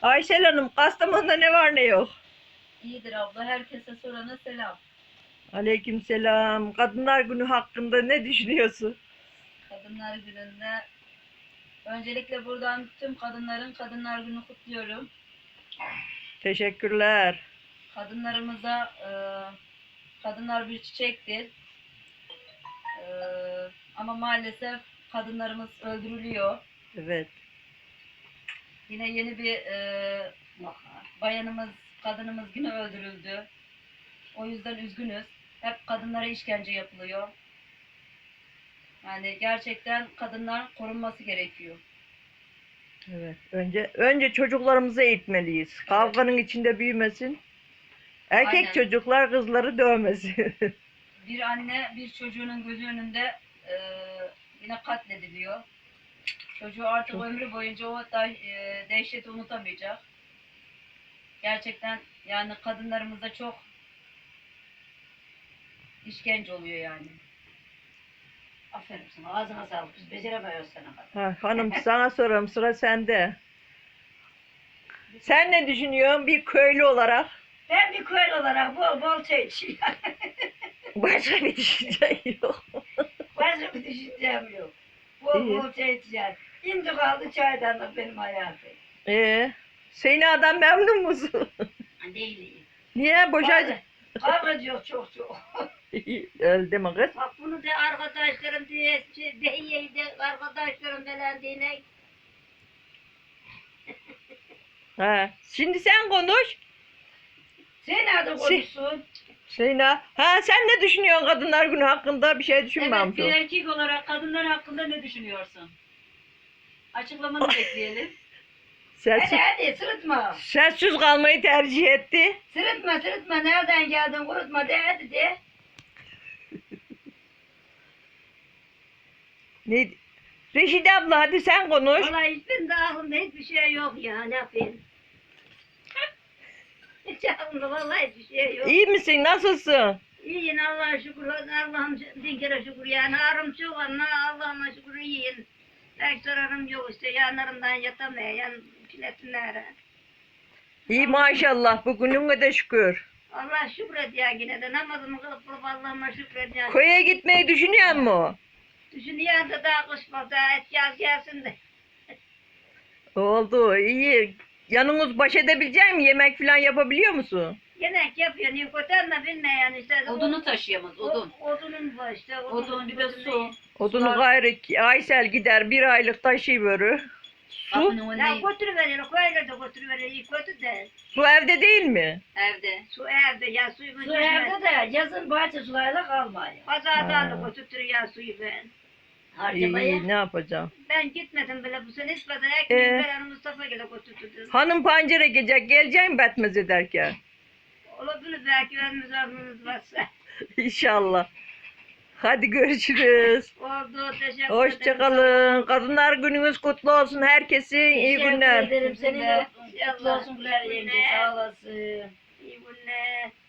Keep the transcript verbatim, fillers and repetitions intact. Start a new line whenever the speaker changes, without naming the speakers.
Aysel Hanım, Kastamonu'da ne var ne yok?
İyidir abla. Herkese sorana selam.
Aleykümselam. Kadınlar Günü hakkında ne düşünüyorsun?
Kadınlar Günü'nde öncelikle buradan tüm kadınların Kadınlar Günü kutluyorum.
Teşekkürler.
Kadınlarımıza e, kadınlar bir çiçektir. E, ama maalesef kadınlarımız öldürülüyor.
Evet.
Yine yeni bir e, bayanımız, kadınımız yine öldürüldü. O yüzden üzgünüz. Hep kadınlara işkence yapılıyor. Yani gerçekten kadınlar korunması gerekiyor.
Evet. Önce önce çocuklarımızı eğitmeliyiz. Kavganın içinde büyümesin. Erkek
Aynen.
çocuklar kızları dövmesin.
Bir anne bir çocuğunun gözü önünde e, yine katlediliyor. Çocuğu artık
Çok-
ömrü boyunca o da, e, dehşeti unutamayacak. Gerçekten yani kadınlarımıza çok işkence oluyor yani.
Aferin sana. Ağzına sağlık. Biz beceremiyoruz sana kadar.
Ha, hanım sana sorayım, sıra sende. Sen ne düşünüyorsun bir köylü olarak?
Ben bir köylü olarak bol bol çay içiyorum.
Başka bir düşünce yok.
Başka bir düşüncem yok. Bol
İyi.
bol çay içiyorum. Şimdi kaldı çaydanlık benim hayatım.
Ee, Seyna'dan memnun musun?
Değilim.
Niye boşa?
Kavgacı yok çok çok.
Öldü mü kız?
Bak bunu da arkadaşlarım diye, de de arkadaşlarım falan diye.
Ha. Şimdi sen konuş.
Sen nerede konuşsun?
Seyna. Ha sen ne düşünüyorsun Kadınlar Günü hakkında? Bir şey düşünmemiş
Evet, bir
ol.
erkek olarak kadınlar hakkında ne düşünüyorsun? Açıklamanı bekleyelim.
Sessiz,
Hadi hadi sırıtma.
sessiz kalmayı tercih etti.
Sırıtma sırıtma. Nereden geldin kurutma de hadi de.
Ne? Reşide abla hadi sen konuş.
Vallahi hiçbir de aklımda hiçbir şey yok ya. Ne yapayım? Hiç aklımda vallahi hiçbir şey yok.
İyi misin? Nasılsın?
İyiyim Allah'a şükür. Allah'ım bin kere şükür yani. Ağrım çok ama Allah'ıma şükür iyiyim. Pek zararım yok işte. Yanlarımdan yatamayan piletinlere.
İyi maşallah. Bugününe de şükür.
Allah şükret ya yine de namazımı kılıp kılıp Allah'ıma şükret ya.
Köye gitmeyi düşünüyor mu?
Düşünüyor da daha kışma daha et yaz gelsin de.
Oldu. İyi. Yanınız baş edebilecek mi? Yemek falan yapabiliyor musun?
Yemek yapıyor. Nikotan da bilmeyen işte.
Odunu taşıyamaz, odun.
O, odunun var işte.
Odun, bir de su.
Odunu
Sular-
gayrı Aysel gider bir aylık taşıyıverir. Su,
Kapının
Ya
önünde,
götürüveriyor. Koyla da götürüveriyor. İyi kötü de.
su evde değil mi?
evde.
Su evde ya suyu
Su evde de yazın bahçe sularıyla kalmıyor.
Pazardan
Ha.
da götürtüyor suyu ben.
Harcamaya.
İyi, ne yapacağım?
Ben gitmedim bile bu sene ispada
Ee?
ekmeği veren Mustafa ile götürdüm.
Hanım pancere gecek geleceğim betmez ederken.
Olabilir belki önümüz aklınız varsa.
İnşallah. Hadi görüşürüz.
Oldu teşekkür ederim.
Hoşçakalın. Kadınlar gününüz kutlu olsun. Herkesin iyi
Teşekkür
günler.
ederim. Senin de
İnşallah.
kutlu olsun Güler yenge. Sağ olasın.
İyi günler.